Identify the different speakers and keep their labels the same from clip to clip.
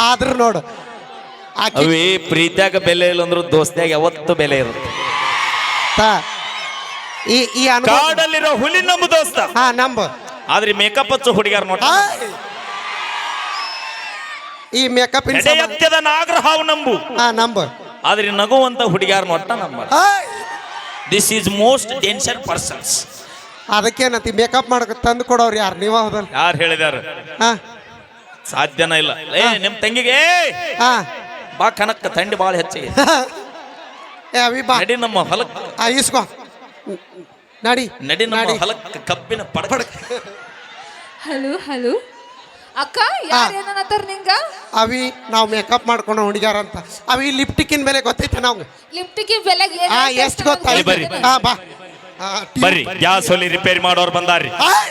Speaker 1: ಆದ್ರೂ ನೋಡು
Speaker 2: ಅವಿ ಪ್ರೀತಿಯಾಗ ಬೆಲೆ ಇಲ್ಲ ಅಂದ್ರು ದೋಸ್ತಿಯಾಗ ಯಾವತ್ತು ಬೆಲೆ ಇರುತ್ತೆ.
Speaker 1: ಈ ಈ ಅನುಭವ
Speaker 2: ಕಾಡಲ್ಲಿರೋ ಹುಲಿ ನಮ್ಮ ದೋಸ್ತ.
Speaker 1: ಹಾ ನಂಬು.
Speaker 2: ಆದ್ರೆ ಮೇಕಪ್ ಹಚ್ಚು ಹುಡುಗಿಯಾರ ನೋಟ
Speaker 1: ಈ ಮೇಕಪ್
Speaker 2: ಎತ್ಯದ ನಾಗರಹಾವು ನಂಬು.
Speaker 1: ಹಾ ನಂಬು.
Speaker 2: ಆದ್ರೆ ನಗುವಂತ ಹುಡುಗಿಯಾರ ನೋಟ ನಂಬ. This is most danger persons.
Speaker 1: ಅದಕ್ಕೇನಂತಿ ಮೇಕಪ್ ಮಾಡಕ ತಂದು ಕೊಡೋರು ಯಾರು ನೀವ ಹೌದಲ್ಲ?
Speaker 2: ಯಾರು ಹೇಳಿದಾರ?
Speaker 1: ಹಾ
Speaker 2: ಸಾಧ್ಯನ ಇಲ್ಲ. ಏ ನಿಮ್ ತಂಗಿಗೆ
Speaker 1: ಹಾ
Speaker 2: ಬಾ ಕನಕ್ಕ ಥಂಡಿ ಬಾಳ ಹೆಚ್ಚಿಗೆ
Speaker 1: ಏ ಅವಿ ಬಾ
Speaker 2: ನಡಿ ನಮ್ಮ ಹೊಲಕ್.
Speaker 1: ಇಸ್ಕೋ ನಡಿ
Speaker 2: ನಡಿ ನಮ್ಮ ಹೊಲಕ್ ಕಬ್ಬಿನ ಪಡಕ.
Speaker 3: ಹಲೋ ಹಲೋ ಅಕ್ಕ ಯಾರು ಏನನ್ನತ್ತಾರ ನಿಂಗ?
Speaker 1: ಅವಿ ನಾವು ಮೇಕಪ್ ಮಾಡ್ಕೊಂಡು ಹುಡುಗ್ಯಾರ ಅಂತ. ಅವಿ ಲಿಪ್ಟಿಕ್ಕಿನ ಬೆಲೆ ಗೊತ್ತೈತೆ ನಾವು.
Speaker 3: ಲಿಫ್ಟಿಗೆ ಬೆಲೆಗೆ
Speaker 1: ಎಷ್ಟು ಗೊತ್ತಾಯ್ತು?
Speaker 2: ಬರ್ರಿ.
Speaker 1: ಹಾ ಬಾ
Speaker 2: ಬರ್ರಿ ಗ್ಯಾಸ್ ಒಲಿ ರಿಪೇರಿ ಮಾಡೋರು ಬಂದಾರ್ರಿ.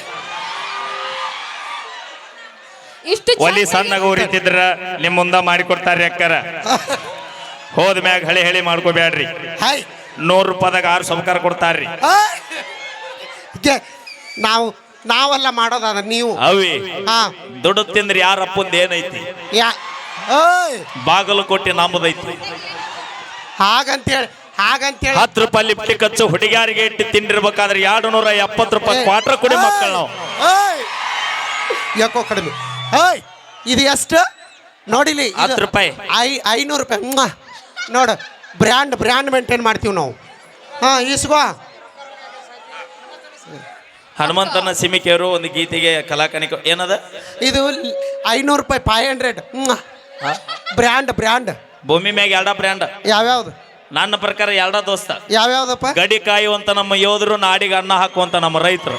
Speaker 3: ಇಷ್ಟು
Speaker 2: ಒಲಿ ಸಣ್ಣಗ ಉರಿತಿದ್ರ ನಿಮ್ ಮುಂದ ಮಾಡಿಕೊಡ್ತಾರ್ರಿ ಅಕ್ಕರ. ಹೋದ ಮ್ಯಾಗ ಹಳಿ ಮಾಡ್ಕೋಬ್ಯಾಡ್ರಿ.
Speaker 1: ಹಾಯ್
Speaker 2: 100 ರೂಪಾಯಿದಾಗ 6 ಸಂಸ್ಕಾರ ಕೊಡ್ತಾರ್ರಿ.
Speaker 1: ನಾವೆಲ್ಲ ಮಾಡೋದ ನೀವು.
Speaker 2: ಅವಿ
Speaker 1: ಹಾ
Speaker 2: ದುಡ್ಡು ತಿಂದ್ರಿ ಯಾರ ಅಪ್ಪಂದ ಏನೈತಿ? ಬಾಗಲಕೋಟೆ ನಮ್ಮದೈತಿ.
Speaker 1: ಹಾಗಂತೇಳಿ
Speaker 2: 10 ರೂಪಾಯಿ ಲಿಪ್ಟಿಕ್ ಹಚ್ಚು ಹುಡುಗಿಯಾರಿಗೆ ಇಟ್ಟು ತಿಂಡಿರ್ಬೇಕಾದ್ರೆ 270 ರೂಪಾಯಿ ಕ್ವಾರ್ಟರ್ ಕೊಡಿ ಮಕ್ಕಳು ನಾವು.
Speaker 1: ಯಾಕೋ ಕಡಿಮೆ. ಇದು ಎಷ್ಟು ನೋಡಿಲಿ?
Speaker 2: 10 ರೂಪಾಯಿ
Speaker 1: 500 ರೂಪಾಯಿ. ನೋಡು ಬ್ರ್ಯಾಂಡ್ ಮೇಂಟೈನ್ ಮಾಡ್ತೀವಿ ನಾವು. ಹಾ ಇಸ್ಕೋ.
Speaker 2: ಹನುಮಂತನ ಸಿಮಿಕೆಯವರು ಒಂದು ಗೀತೆಗೆ ಕಲಾಕಾನಿಕ ಏನದ
Speaker 1: ಇದು 500 ರೂಪಾಯಿ 500. ಬ್ರ್ಯಾಂಡ್
Speaker 2: ಭೂಮಿ ಮ್ಯಾಗ 2 ಬ್ರ್ಯಾಂಡ್.
Speaker 1: ಯಾವ್ಯಾವ್ದು?
Speaker 2: ನನ್ನ ಪ್ರಕಾರ 2 ದೋಸ್ತ.
Speaker 1: ಯಾವ್ಯಾವ್ದಪ್ಪ?
Speaker 2: ಗಡಿ ಕಾಯುವಂತ ನಮ್ಮ ಯೋಧರು, ನಾಡಿಗೆ ಅನ್ನ ಹಾಕುವಂತ ನಮ್ಮ ರೈತರು.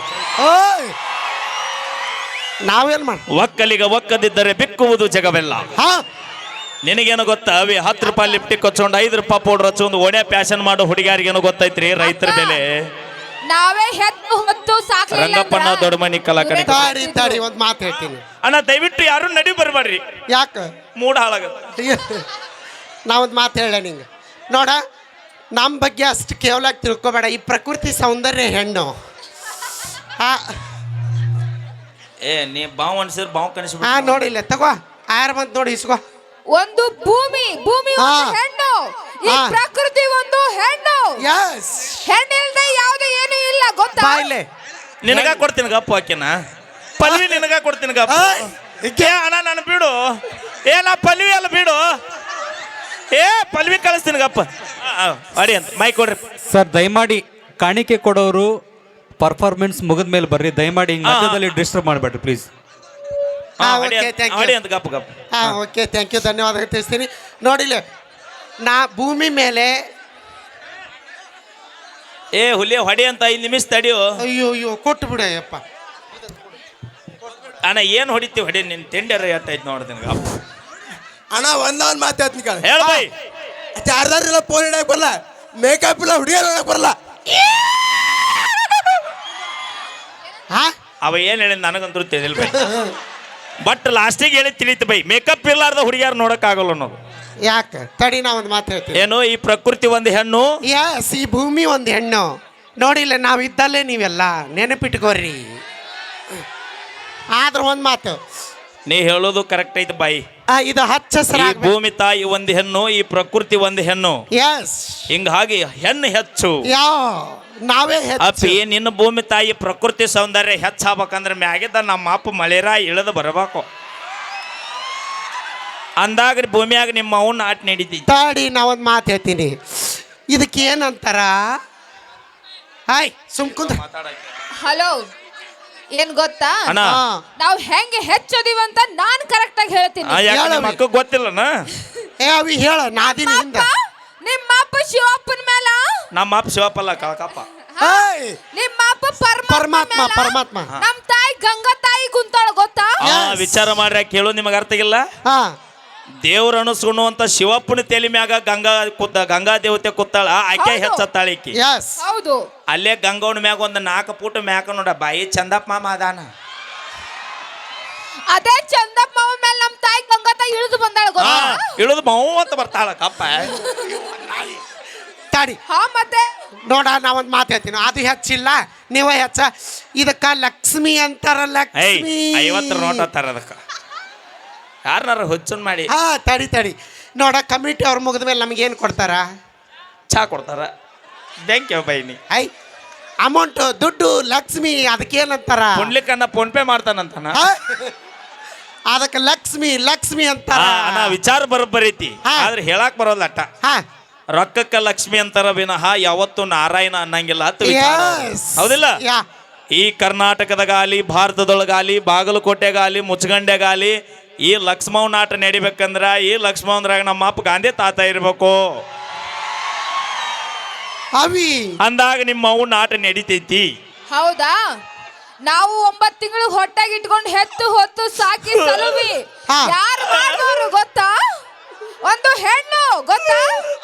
Speaker 1: ನಾವೇನ್ ಮಾಡ
Speaker 2: ಒಕ್ಕಲಿಗ ಒಕ್ಕದಿದ್ದರೆ ಬಿಕ್ಕುವುದು ಜಗವೆಲ್ಲ.
Speaker 1: ಹಾ
Speaker 2: ನಿನಗೇನು ಗೊತ್ತಾ ಅವಿ? 10 ರೂಪಾಯಿ ಲಿಪ್ಟಿಕ್ ಹಚ್ಚೊಂಡು 5 ರೂಪಾಯಿ ಪೌಡರ್ ಹಚ್ಚೊಂದು ಒಡೆ ಪ್ಯಾಶನ್ ಮಾಡೋ ಹುಡುಗಿಯಾರಿಗೇನು ಗೊತ್ತೈತ್ರಿ ರೈತರ ಬೆಲೆ?
Speaker 3: ನಾವೇ ಹೊತ್ತು ಸಾಕಲಿಲ್ಲ.
Speaker 2: ರಂಗಪ್ಪನ ದೊಡ್ಡ ಮನಿ ಕಲಾಕಾನಿ.
Speaker 1: ತಾಡಿ ಒಂದ್ ಮಾತು ಹೇಳ್ತೀನಿ
Speaker 2: ಅಣ್ಣ, ದಯವಿಟ್ಟು ಯಾರು ನಡಿ ಬರ್ಬೇಡ್ರಿ.
Speaker 1: ಯಾಕ
Speaker 2: ಮೂಡ್ ಹಾಳಾಗತ್ತೆ.
Speaker 1: ನಾವೊಂದು ಮಾತು ಹೇಳ ನಿಂಗೆ ನೋಡ, ನಮ್ಮ ಬಗ್ಗೆ ಅಷ್ಟು ಕೇವಲ ತಿಳ್ಕೊಬೇಡ. ಈ ಪ್ರಕೃತಿ ಸೌಂದರ್ಯ ಹೆಣ್ಣು.
Speaker 2: ಏ ನೀ ಬಾವು ಅನ್ಸಿದ್ರೆ ಬಾವು ಕನಿಸ್ಬಿಟ್ಟು.
Speaker 1: ಹಾ ನೋಡಿಲ್ಲ ತಗೋ ಆಯರ್ ಬಂತ ನೋಡಿ ಇಸ್ಕೋ.
Speaker 3: ಒಂದು ಭೂಮಿ ಒಂದು ಹೆಣ್ಣು, ಈ ಪ್ರಕೃತಿ ಒಂದು ಹೆಣ್ಣು. ಹೆಣ್ಣಿಲ್ದೆ ಯಾವ್ದು ಏನು ಇಲ್ಲ ಗೊತ್ತಾ?
Speaker 1: ಬಾಯ್ಲೆ
Speaker 2: ನಿನಗ ಕೊಡ್ತೀನಿ ಗಪ್ಪ ಹಾಕಿನ ಪಲ್ವಿ, ನಿನಗ ಕೊಡ್ತೀನಿ ಗಪ್ಪ. ಅಣ್ಣ ನಾನು ಬಿಡು. ನಾ ಪಲ್ವಿ ಅಲ್ಲ ಬಿಡು. ಪಲ್ವಿ ಕಳಿಸ್ತೀನಿ ಗಪ್ಪ. ಅಡಿ ಅಂತ ಮೈ ಕೊಡ್ರಿ
Speaker 4: ಸರ್. ದಯಮಾಡಿ ಕಾಣಿಕೆ ಕೊಡೋರು ಪರ್ಫಾರ್ಮೆನ್ಸ್ ಮುಗಿದ ಮೇಲೆ ಬರ್ರಿ. ದಯಮಾಡಿ ಹಿಂಗ್ ಮಧ್ಯದಲ್ಲಿ ಡಿಸ್ಟರ್ಬ್ ಮಾಡಬೇಡ್ರಿ ಪ್ಲೀಸ್.
Speaker 2: ಅಡಿ ಅಂತ ಗಪ್ಪ ಗಪ್ಪ.
Speaker 1: ಓಕೆ ಥ್ಯಾಂಕ್ ಯು, ಧನ್ಯವಾದ ತಿಳಿಸ್ತೀನಿ. ನೋಡಿಲ್ಲ ನಾ ಭೂಮಿ ಮೇಲೆ
Speaker 2: ಹುಲಿ ಹೊಡಿ ಅಂತ 5 ನಿಮಿಷ ತಡಿಯೋ.
Speaker 1: ಅಯ್ಯೋ ಕೊಟ್ಟು ಬಿಡಯ್ಯಪ್ಪ.
Speaker 2: ಅಣ್ಣ ಏನು ಹೊಡಿತೀವಿ ಹೊಡಿ. ನಿನ್ ತಿಂಡರ ಎಟ್ಟೈತಿ ನೋಡ್ತೀನಿ ಗಪ್ಪ.
Speaker 5: ಅಣ್ಣ ಒಂದೊಂದು ಮಾತಾಡ್ತೀನಿ ಕಣ.
Speaker 2: ಹೇಳ ಬೈ.
Speaker 5: ಚಾರ್ಜರ್ ಇಲ್ಲ, ಫೋನ್ ಇಡಕ್ ಬರಲ್ಲ, ಮೇಕಪ್ ಇಲ್ಲ, ಹುಡುಗಿಯರ್ ಇಡಕ್ ಬರಲ್ಲ.
Speaker 2: ಅವ ಏನ್ ಹೇಳಿ ನನಗಂತೂ ತಿಳಿದಿಲ್ಲ ಬೈ. ಬಟ್ ಲಾಸ್ಟಿಗೆ ಹೇಳಿ ತಿಳಿತು ಬೈ, ಮೇಕಪ್ ಇರ್ಲಾರ್ದ ಹುಡುಗಿಯಾರು ನೋಡಕ್ ಆಗಲ್ಲ ಅನ್ನೋದು.
Speaker 1: ಯಾಕೆ ತಡಿ ನಾ ಒಂದು ಮಾತು ಹೇಳ್ತೀನಿ.
Speaker 2: ಏನು ಈ ಪ್ರಕೃತಿ ಒಂದು ಹೆಣ್ಣು,
Speaker 1: ಈ ಭೂಮಿ ಒಂದು ಹೆಣ್ಣು. ನೋಡಿಲ್ಲ ನಾವಿದ್ದಲ್ಲೇ ನೀವೆಲ್ಲ ನೆನಪಿಟ್ಕೋರಿ. ಆದ್ರೆ ಒಂದು ಮಾತು
Speaker 2: ನೀ ಹೇಳೋದು ಕರೆಕ್ಟ್ ಐತಿ ಬಾಯಿ.
Speaker 1: ಇದು ಹಚ್ಚ
Speaker 2: ಈ ಭೂಮಿ ತಾಯಿ ಒಂದು ಹೆಣ್ಣು, ಈ ಪ್ರಕೃತಿ ಒಂದು ಹೆಣ್ಣು. ಹಿಂಗಾಗಿ ಹೆಣ್ಣು ಹೆಚ್ಚು.
Speaker 1: ನಾವೇ
Speaker 2: ಅಪ್ಪಿ ನಿನ್ನ ಭೂಮಿ ತಾಯಿ ಪ್ರಕೃತಿ ಸೌಂದರ್ಯ ಹೆಚ್ಚಾಗಬೇಕಂದ್ರೆ ಮ್ಯಾಗಿದ್ದ ನಮ್ಮ ಅಪ್ಪ ಮಳೆರ ಇಳಿದು ಬರಬೇಕು ಅಂದಾಗ ಭೂಮಿಯಾಗ ನಿಮ್ಮ ಅವನ್ನ ಆಟ ನಡೀತಿ.
Speaker 1: ತಾಡಿ ನಾ ಒಂದು ಮಾತು ಹೇಳ್ತೀನಿ. ಇದಕ್ಕೆ ಏನಂತಾರ? ಸುಮ್ಕುಂದ್ರ.
Speaker 3: ಹಲೋ, ಏನ್ ಗೊತ್ತಾ?
Speaker 2: ಅಣ್ಣ
Speaker 3: ನಾವು ಹೆಂಗೆ ಹೆಚ್ಚೋದಿವಂತ ನಾನ್ ಕರೆಕ್ಟ್ ಆಗಿ ಹೇಳ್ತೀನಿ.
Speaker 2: ಮಕ್ಕ ಗೊತ್ತಿಲ್ಲನ?
Speaker 1: ಅವಿ ಹೇಳ ನಾದಿನ ಹಿಂದ.
Speaker 3: ನಿಮ್ಮ ಅಪ್ಪ ಶಿವಪ್ಪನ ಮೇಲ.
Speaker 2: ನಮ್ಮ ಅಪ್ಪ ಶಿವಪ್ಪಲ್ಲ ಕಳಕಪ್ಪ.
Speaker 3: ನಿಮ್ಮ ಅಪ್ಪ ಪರಮಾತ್ಮ. ನಮ್ ತಾಯಿ ಗಂಗಾ ತಾಯಿ ಕುಂತಾಳ ಗೊತ್ತಾ?
Speaker 2: ವಿಚಾರ ಮಾಡ್ರಿ ಕೇಳು, ನಿಮಗೆ ಅರ್ಥ ಆಗಿಲ್ಲ. ದೇವ್ರ ಅನುಸುಣ್ಣುವಂತ ಶಿವಪ್ಪನ ತಲೆ ಮ್ಯಾಗ ಗಂಗಾ ದೇವತೆ ಕೂತಾಳ. ಆಕೆ ಹೆಚ್ಚತ್ತಾಳ ಈಕಿ.
Speaker 3: ಹೌದು.
Speaker 2: ಅಲ್ಲೇ ಗಂಗವನ ಮ್ಯಾಗ ಒಂದು 4 ಫೂಟ್ ಮ್ಯಾಕ ನೋಡ ಬಾಯಿ ಚಂದಪ್ಪ ಮಾಮ ಅದಾನ.
Speaker 3: ಅದೇ ಚಂದಪ್ಪ ಮಾವ ಮೇಲೆ ನಮ್ ತಾಯಿ ಗಂಗಾ ತಾಯಿ ಇಳಿದು ಬಂದಾಳ ಗೊತ್ತಾ?
Speaker 2: ಇಳಿದು ಮಾವು ಅಂತ ಬರ್ತಾಳ ಕಪ್ಪ.
Speaker 1: ತಾಡಿ
Speaker 3: ಮತ್ತೆ
Speaker 1: ನೋಡ ನಾ ಒಂದು ಮಾತು ಹೇಳ್ತೀನಿ. ಅದು ಹೆಚ್ಚಿಲ್ಲ, ನೀವೇ ಹೆಚ್ಚ. ಇದಕ್ಕ ಲಕ್ಷ್ಮಿ ಅಂತಾರ. ಲಕ್ಷ್ಮಿ
Speaker 2: 50 ನೋಟ ತರ ಅದಕ್ಕ ಯಾರನ್ನಾರ ಹುಚ್ಚನ್ ಮಾಡಿ
Speaker 1: ಹಾ ತಡಿ ತಡಿ ನೋಡ ಕಮಿಟಿ ಅವ್ರು ಮುಗಿದ ಮೇಲೆ ನಮಗೇನು ಕೊಡ್ತಾರ
Speaker 2: ಚಾ ಕೊಡ್ತಾರ ಥ್ಯಾಂಕ್ ಯು ಬೈನಿ
Speaker 1: ಐ ಅಮೌಂಟ್ ದುಡ್ಡು ಲಕ್ಷ್ಮಿ ಅದಕ್ಕೇನಂತಾರ
Speaker 2: ಪುಂಡ್ಲಿಕ್ಕನ್ನ ಫೋನ್ ಪೇ ಮಾಡ್ತಾನಂತಾನ
Speaker 1: ಆ? ಅದಕ್ಕೆ ಲಕ್ಷ್ಮಿ ಲಕ್ಷ್ಮಿ ಅಂತಾರ
Speaker 2: ನಾ ವಿಚಾರ ಬರೋಬ್ಬರೈತಿ
Speaker 1: ಹಾ.
Speaker 2: ಆದ್ರೆ ಹೇಳಕ್ ಬರೋಲ್ಲ ಅಟ್ಟ
Speaker 1: ಹಾ
Speaker 2: ರೊಕ್ಕಕ್ಕ ಲಕ್ಷ್ಮಿ ಅಂತಾರ ವಿನಃ ಯಾವತ್ತು ನಾರಾಯಣ ಅನ್ನಂಗಿಲ್ಲ ಅಂತ ವಿಚಾರ ಅವ್ರ್ದು.
Speaker 1: Yes.
Speaker 2: ಹೌದಿಲ್ಲ
Speaker 1: ಯಾ
Speaker 2: ಈ ಕರ್ನಾಟಕದಾಗಲಿ ಭಾರತದೊಳಗಾಲಿ ಬಾಗಲಕೋಟೆಗಾಲಿ ಮುಚ್ಚಗಂಡೆಗಾಲಿ ಈ ಲಕ್ಷ್ಮವ್ ನಾಟ ನಡಿಬೇಕಂದ್ರ ಈ ಲಕ್ಷ್ಮವಂದ್ರಾಗ ನಮ್ಮ ಅಪ್ಪ ಗಾಂಧಿ ತಾತ ಇರ್ಬೇಕು
Speaker 1: ಅವಿ
Speaker 2: ಅಂದಾಗ ನಿಮ್ಮ ಅವು ನಾಟ ನಡಿತೈತಿ
Speaker 3: ಹೌದಾ ನಾವು 9 ತಿಂಗಳು ಹೊಟ್ಟಾಗಿ ಇಟ್ಕೊಂಡು ಹೆತ್ತು ಹೊತ್ತು ಸಾಕಿ ಸಲುವಿ
Speaker 1: ಹಾ.
Speaker 3: ಯಾರು ಮಾಡಿದವರು ಗೊತ್ತಾ ಒಂದು ಹೆಣ್ಣು ಗೊತ್ತಾ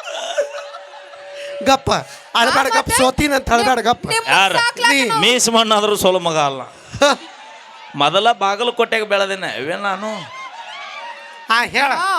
Speaker 1: ಗಪ್ಪ ಅಳಬೇಡ ಗಪ್ಪ ಸೋತೀನಂತ ಅಳಬೇಡ ಗಪ್ಪ
Speaker 2: ಯಾರ
Speaker 3: ಸಾಕ್ಲಾಕ
Speaker 2: ಮೀಸ್ ಮಣ್ಣಾದ್ರೂ ಸೋಲು ಮಗ ಅಲ್ಲ ಮೊದಲ ಬಾಗಲಕೋಟೆಗೆ ಬೆಳೆದೇನೆ ಇವೇ ನಾನು
Speaker 1: ಹಾ ಹೇಳ
Speaker 3: ಹಾ.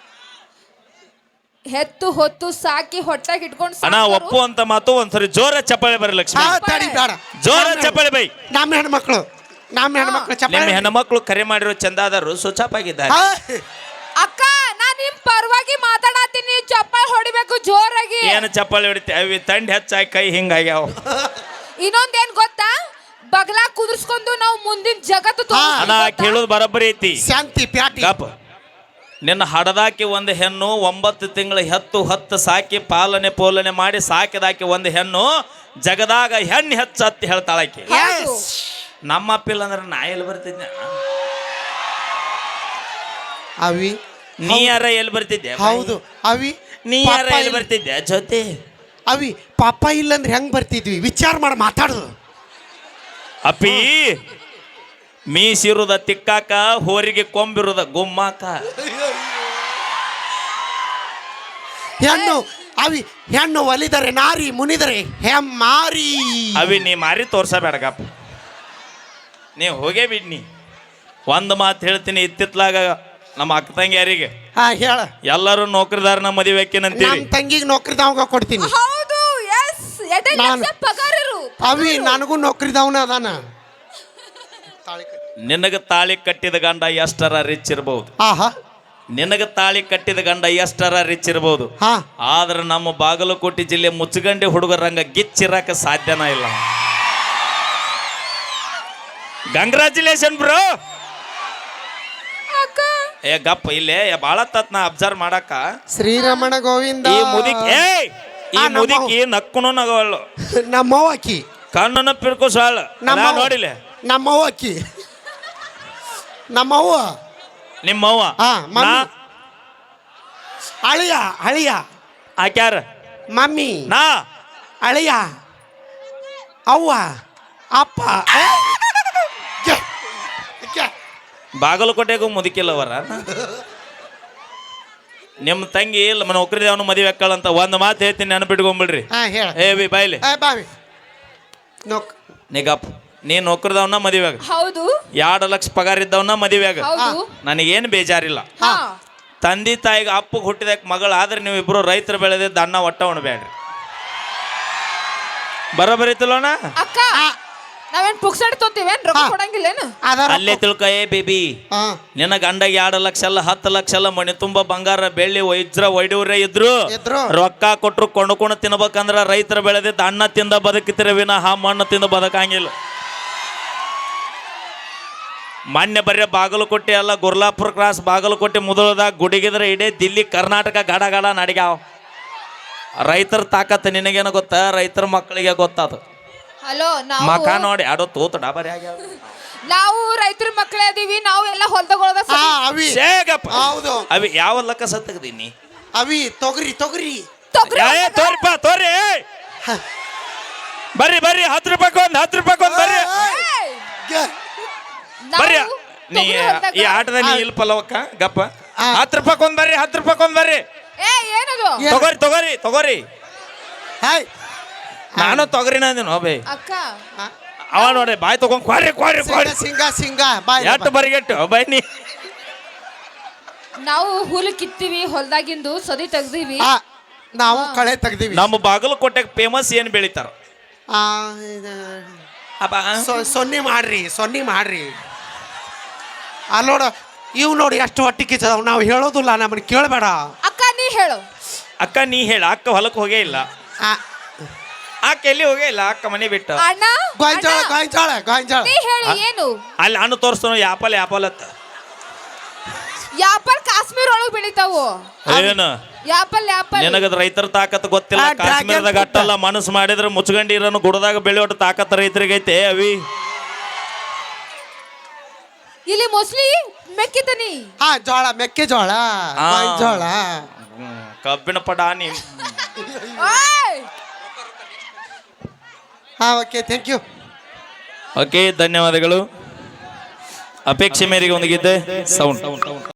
Speaker 3: ಹೆತ್ತು ಹೊತ್ತು ಸಾಕಿ ಹೊಟ್ಟಾಗಿ ಇಟ್ಕೊಂಡು
Speaker 2: ಅಣ್ಣ ಒಪ್ಪು ಅಂತ ಮಾತು ಒಂದ್ಸರಿ ಜೋರ ಚಪ್ಪಾಳೆ ಬರ್ರಿ ಲಕ್ಷ್ಮಿ
Speaker 1: ಹಾ ತಡಿ ಬೇಡ
Speaker 2: ಜೋರ ಚಪ್ಪಾಳೆ ಬೈ
Speaker 1: ನಮ್ಮ ಹೆಣ್ಮಕ್ಳು
Speaker 2: ನಿಮ್ಮ
Speaker 1: ಚಪ್ಪಾಳೆ
Speaker 2: ಹೆಣ್ಮಕ್ಳು ಕರೆ ಮಾಡಿರೋ ಚಂದಾದರು ಸುಚಾಪಾಗಿದ್ದಾರೆ
Speaker 1: ಹಾ.
Speaker 3: ಅಕ್ಕ ನಾ ನಿಮ್ ಪರವಾಗಿ ಮಾತಾಡತ್ತೀನಿ ಚಪ್ಪಾಳೆ ಹೊಡಿಬೇಕು ಜೋರಾಗಿ
Speaker 2: ಏನು ಚಪ್ಪಾಳೆ ಹೊಡಿತಿ ಅವಿ ತಂಡಿ ಹೆಚ್ಚಾಗಿ ಕೈ ಹಿಂಗಾಗ್ಯಾವ
Speaker 3: ಇನ್ನೊಂದೇನ್ ಗೊತ್ತಾ ಬಗಲಾ ಕುದುರ್ಸ್ಕೊಂಡು ನಾವು ಮುಂದಿನ ಜಗತ್ತು ತೋರಿಸ್ತೀವಿ
Speaker 2: ಅಣ್ಣ
Speaker 3: ಗೊತ್ತಾ?
Speaker 2: ಕೇಳೋದು ಬರೋಬ್ಬರಿ ಐತಿ
Speaker 1: ಶಾಂತಿ ಪ್ಯಾಟಿ
Speaker 2: ಗಪ್ ನಿನ್ನ ಹಡದಾಕಿ ಒಂದು ಹೆಣ್ಣು 9 ತಿಂಗಳ ಹತ್ತು ಸಾಕಿ ಪೋಲನೆ ಮಾಡಿ ಸಾಕಿದಾಕಿ ಒಂದು ಹೆಣ್ಣು ಜಗದಾಗ ಹೆಣ್ಣು ಹೆಚ್ಚು ಹತ್ತಿ ಹೇಳ್ತಾಳಾಕಿ
Speaker 3: ಹೌದು.
Speaker 2: ನಮ್ಮ ಅಪ್ಪಿಲ್ಲ ಅಂದ್ರೆ ನಾ ಎಲ್ಲಿ ಬರ್ತಿದ್ದೆ
Speaker 1: ಅವಿ
Speaker 2: ನೀ ಯಾರ ಎಲ್ಲಿ ಬರ್ತಿದ್ದೆ
Speaker 1: ಹೌದು ಅವಿ
Speaker 2: ನೀ ಯಾರ
Speaker 1: ಪಾಪ
Speaker 2: ಎಲ್ಲಿ ಬರ್ತಿದ್ದೆ ಜೊತೆ
Speaker 1: ಅವಿ ಪಾಪ ಇಲ್ಲಂದ್ರೆ ಹೆಂಗ್ ಬರ್ತಿದ್ವಿ ವಿಚಾರ ಮಾಡಿ ಮಾತಾಡುದು
Speaker 2: ಅಪ್ಪಿ ಮೀಸಿರುದ ತಿಕ್ಕಾಕ ಹೋರಿಗೆ ಕೊಂಬಿರುದ ಗುಮ್ಮಾಕ
Speaker 1: ಹೆಣ್ಣು ಅವಿ ಹೆಣ್ಣು ಒಲಿದರೆ ನಾರಿ ಮುನಿದರೆ ಹೆಮ್ಮಾರಿ
Speaker 2: ಅವಿ ನೀ ಮಾರಿ ತೋರ್ಸಬೇಡಗಪ್ಪ ನೀ ಹೋಗೇ ಬಿಡ್ನಿ ಒಂದು ಮಾತು ಹೇಳ್ತೀನಿ ಇತ್ತಿತ್ಲಾಗ ನಮ್ಮ ಅಕ್ಕ ತಂಗಿಯರಿಗೆ
Speaker 1: ಹಾ ಹೇಳ
Speaker 2: ಎಲ್ಲರೂ ನೌಕರಿದಾರನ ಮದುವೆ ಹಾಕಿನಂತೀರಿ
Speaker 1: ನಮ್ಮ ತಂಗಿಗೆ ನೌಕರಿದವಂಗ ಕೊಡ್ತೀನಿ
Speaker 3: ಹೌದು ಎಸ್ ಎಡೆ
Speaker 1: ನಾನು-
Speaker 3: ಲಕ್ಷ ಪಗಾರರು
Speaker 1: ಅವಿ ನನಗೂ ನೌಕರಿದವನ ಅದಾನ
Speaker 2: ನಿನಗ ತಾಳಿ ಕಟ್ಟಿದ ಗಂಡ ಎಷ್ಟರ ರಿಚ್ ಇರಬಹುದು
Speaker 1: ಆಹಾ
Speaker 2: ನಿನಗ ತಾಳಿ ಕಟ್ಟಿದ ಗಂಡ ಎಷ್ಟರ ರಿಚ್ ಇರಬಹುದು
Speaker 1: ಹಾ
Speaker 2: ಆದ್ರೆ ನಮ್ಮ ಬಾಗಲಕೋಟೆ ಜಿಲ್ಲೆ ಮುಚ್ಚಗಂಡಿ ಹುಡುಗರಂಗ ಗಿಚ್ಚಿರಕ ಸಾಧ್ಯನ ಇಲ್ಲ ಕಂಗ್ರಾಚುಲೇಷನ್ ಬ್ರೋ
Speaker 3: ಅಕ್ಕ
Speaker 2: ಏ ಗಪ್ಪ ಇಲ್ಲೇ ಭಾಳ ತತ್ ನಾ ಅಬ್ಸರ್ವ್ ಮಾಡಾಕ
Speaker 1: ಶ್ರೀರಮಣ ಗೋವಿಂದ
Speaker 2: ಈ ಮುದಿಕ್ ಈ ಮುದಿಕಿ ನಕ್ಕುನು ನಗವಳ್ಳು
Speaker 1: ನಮ್ಮವ್ವಕ್ಕಿ
Speaker 2: ಕಣ್ಣನ್ನು ಪಿರ್ಕೋ ಸಾಳು
Speaker 1: ನಮ್ಮ
Speaker 2: ನೋಡಿಲೆ
Speaker 1: ನಮ್ಮವ್ವಕ್ಕಿ ನಮ್ಮವ್ವ
Speaker 2: ನಿಮ್ಮವ್ವ
Speaker 1: ಹಾ ಮಮ್ಮಿ
Speaker 2: ನಾ
Speaker 1: ಅಳಿಯ ಅಳಿಯ
Speaker 2: ಆಕ್ಯಾರ
Speaker 1: ಮಮ್ಮಿ
Speaker 2: ನಾ
Speaker 1: ಅಳಿಯ ಅವ್ವ ಅಪ್ಪ ಏ? ಗೆ, ಗೆ.
Speaker 2: ಬಾಗಲಕೋಟೆಗೂ ಮುದುಕಿಲ್ಲವರ ನಿಮ್ಮ ತಂಗಿ ನಮ್ಮ ನೌಕರಿ ಅವನು ಮದುವೆ ಹಾಕಳಂತ ಒಂದು ಮಾತು ಹೇಳ್ತೀನಿ ನೆನಪಿಟ್ಕೊಂಬಿಡ್ರಿ
Speaker 1: ಹಾ ಹೇಳ
Speaker 2: ಏ ಬಿ ಬಾಯ್ಲಿ
Speaker 1: ಏ ಬಾವಿ ನೋಕ್
Speaker 2: ನಿಗಪ್ಪ ನೀ ನೌಕರಿದವನ್ನ ಮದುವೆಯಾಗ
Speaker 3: ಹೌದು
Speaker 2: 2 ಲಕ್ಷ ಪಗಾರ ಇದ್ದವನ್ನ ಮದುವೆಯಾಗ
Speaker 3: ಹೌದು
Speaker 2: ನನಗೇನು ಬೇಜಾರಿಲ್ಲ
Speaker 3: ಹಾ
Speaker 2: ತಂದೆ ತಾಯಿಗೆ ಅಪ್ಪಗೆ ಹುಟ್ಟಿದಕ್ಕೆ ಮಗಳು ಆದ್ರೆ ನೀವು ಇಬ್ರು ರೈತರು ಬೆಳೆದಿದ್ದ ಅನ್ನ ಒಟ್ಟ ಉಣ್ಬೇಡ್ರಿ ಬರೋಬರಿತಲ್ಲೋಣ
Speaker 3: ಅಕ್ಕ ನಾವೇನ್ ಪುಕ್ಸಡ್ ತೊಂತೀವೇನ್ ರೊಕ್ಕ ಕೊಡಂಗಿಲ್ಲೇನು
Speaker 1: ಅದರ
Speaker 2: ಅಲ್ಲೇ ತಿಳ್ಕೊ ಏ ಬೇಬಿ
Speaker 1: ಹಾ
Speaker 2: ನಿನ್ನ ಗಂಡ 2 ಲಕ್ಷ ಅಲ್ಲ 10 ಲಕ್ಷ ಅಲ್ಲ ಮನೆ ತುಂಬ ಬಂಗಾರ ಬೆಳ್ಳಿ ವೈಜ್ರ ಒಯ್ಡೂರೇ ಇದ್ರು
Speaker 1: ಇದ್ರು.
Speaker 2: ರೊಕ್ಕ ಕೊಟ್ರು ಕೊಂಡ್ಕೊಂಡು ತಿನ್ಬೇಕಂದ್ರ ರೈತರು ಬೆಳೆದಿದ್ದ ಅನ್ನ ತಿಂದ ಬದುಕಿತಿರ ವಿನಃ ಮಣ್ಣು ತಿಂದ ಬದುಕಂಗಿಲ್ಲ ಮೊನ್ನೆ ಬರೀ ಬಾಗಲಕೋಟೆ ಅಲ್ಲ ಗುರ್ಲಾಪುರ ಕ್ರಾಸ್ ಬಾಗಲಕೋಟೆ ಮುದಳದಾಗ ಗುಡಿಗಿದ್ರೆ ಇಡೀ ದಿಲ್ಲಿ ಕರ್ನಾಟಕ ಗಡ ಗಡ ನಡಿಗ್ಯಾವ ರೈತರ ತಾಕತ್ತು ನಿನಗೇನು ಗೊತ್ತಾ ರೈತರ ಮಕ್ಕಳಿಗೆ ಗೊತ್ತದು
Speaker 3: ಹಲೋ
Speaker 2: ಮಕ
Speaker 3: ನಾವು
Speaker 2: ನೋಡಿ ಆಡೋ ತೂತು ಡಾಬರಿ ಆಗ್ಯಾವ
Speaker 3: ನಾವು ರೈತರ ಮಕ್ಕಳೇ ಅದೀವಿ ನಾವು ಎಲ್ಲ ಹೊಲ್ದಗೊಳದ
Speaker 1: ಹಾ ಅವಿ
Speaker 2: ಶೇಗಪ್ಪ
Speaker 1: ಹೌದು
Speaker 2: ಅವಿ ಯಾವ ಲಕ್ಕ ಸತ್ತಗದೀನಿ
Speaker 1: ಅವಿ ತೊಗರಿ ತೊಗರಿ
Speaker 2: ತೋರಿಪ್ಪ ತೋರಿ ಬರ್ರಿ ಬರ್ರಿ 10 ರೂಪಾಯಿ 10 ರೂಪಾಯಿ ಬರ್ರಿ
Speaker 1: ಗೆ.
Speaker 2: ಬರ್ರಿ ನೀ ಈ ಆಟದ ನೀ ಇಲ್ಲಿ ಪಲವಕ್ಕ ಗಪ್ಪ 10 ರೂಪಾಯಿ ಬರ್ರಿ 10 ರೂಪಾಯಿ ಬರ್ರಿ
Speaker 3: ಏ ಏನದು
Speaker 1: ಏ-
Speaker 2: ತಗೋರಿ ತಗೋರಿ ತಗೋರಿ
Speaker 1: ಹಾಯ್
Speaker 2: ನಾನು ತೊಗರಿನ ಅಂದಿನ ಬೇ
Speaker 3: ಅಕ್ಕ
Speaker 2: ಅವ ನೋಡ್ರಿ ಬಾಯ್ ತಗೊಂಡ್ ಕ್ವಾರಿ ಕ್ವಾರಿ ಕ್ವಾರಿ
Speaker 1: ಸಿಂಗ ಸಿಂಗ ಬಾಯ್
Speaker 2: ಎಷ್ಟು ಬರಿಗೆಟ್ಟು ಬೈ ನೀ
Speaker 3: ನಾವು ಹುಲ್ಲು ಕಿತ್ತೀವಿ ಹೊಲ್ದಾಗಿಂದು ಸದಿ ತೆಗ್ದೀವಿ
Speaker 1: ಆ, ನಾವು ಕಳೆ ತೆಗ್ದೀವಿ
Speaker 2: ನಮ್ಮ ಬಾಗಲಕೋಟೆಗೆ ಫೇಮಸ್ ಏನು ಬೆಳಿತಾರ
Speaker 1: ಆ, ಇದು,
Speaker 2: ಅಪ್ಪ
Speaker 1: ಸೊನ್ನೆ ಮಾಡ್ರಿ ಅಲ್ಲೋಡ ಇವ್ ನೋಡಿ ಎಷ್ಟು ಹೊಟ್ಟಿ ಕಿಚ್ಚದವ್ ನಾವು ಹೇಳೋದಿಲ್ಲ ನಮ್ಮನ್ನ ಕೇಳಬೇಡ.
Speaker 3: ಅಕ್ಕ ನೀ ಹೇಳು.
Speaker 2: ಅಕ್ಕ ನೀ ಹೇಳ. ಅಕ್ಕ ಹೊಲಕ್ಕೆ ಹೋಗೇ ಇಲ್ಲ. ಅಕ್ಕ ಎಲ್ಲಿ ಹೋಗೇ ಇಲ್ಲ. ಅಕ್ಕ ಮನೆ ಬಿಟ್ಟು
Speaker 3: ಅಣ್ಣ
Speaker 1: ಗೋಂಜಾಳ ಗೋಂಜಾಳ ಗೋಂಜಾಳ
Speaker 3: ನೀ ಹೇಳು ಏನು?
Speaker 2: ಅಲ್ಲಿ ಹಣ್ಣು ತೋರಿಸ್ತಾನ ಯಾಪಲ್ ಯಾಪಲ್ ಅತ್ತ.
Speaker 3: ಯಾಪಲ್ ಕಾಶ್ಮೀರ ಒಳಗ್ ಬೆಳಿತಾವು.
Speaker 2: ಏನು
Speaker 3: ಯಾಪಲ್ ಯಾಪಲ್
Speaker 2: ನಿನಗದ ರೈತರ ತಾಕತ್ ಗೊತ್ತಿಲ್ಲ.
Speaker 1: ಆ, ಡ್ರ್ಯಾಗನ್
Speaker 2: ಕಾಶ್ಮೀರದಾಗ
Speaker 1: ಫ್ರೂಟ್.
Speaker 2: ಅಟ್ಟಲ್ಲ ಮನಸ್ಸು ಮಾಡಿದ್ರೆ ಮುಚ್ಕಂಡಿ ಇರೋನು ಗುಡದಾಗ ಬೆಳೆಯೋಟ ತಾಕತ್ ರೈತರಿಗೈತೆ ಅವಿ.
Speaker 3: ಇಲ್ಲಿ ಮೋಸ್ಟ್ಲಿ ಮೆಕ್ಕಿತನಿ.
Speaker 1: ಹಾ ಜೋಳ ಮೆಕ್ಕೆಜೋಳ
Speaker 2: ಆ.
Speaker 1: ಜೋಳ.
Speaker 2: ಕಬ್ಬಿನ ಪಡ ನೀ.
Speaker 3: ಓಯ್
Speaker 1: ಹಾ ಓಕೆ ಥ್ಯಾಂಕ್ ಯು.
Speaker 2: ಓಕೆ ಧನ್ಯವಾದಗಳು. ಅಪೇಕ್ಷೆ ಮೇರೆಗೆ ಒಂದಿಗಿದ್ದೆ ಸೌಂಡ್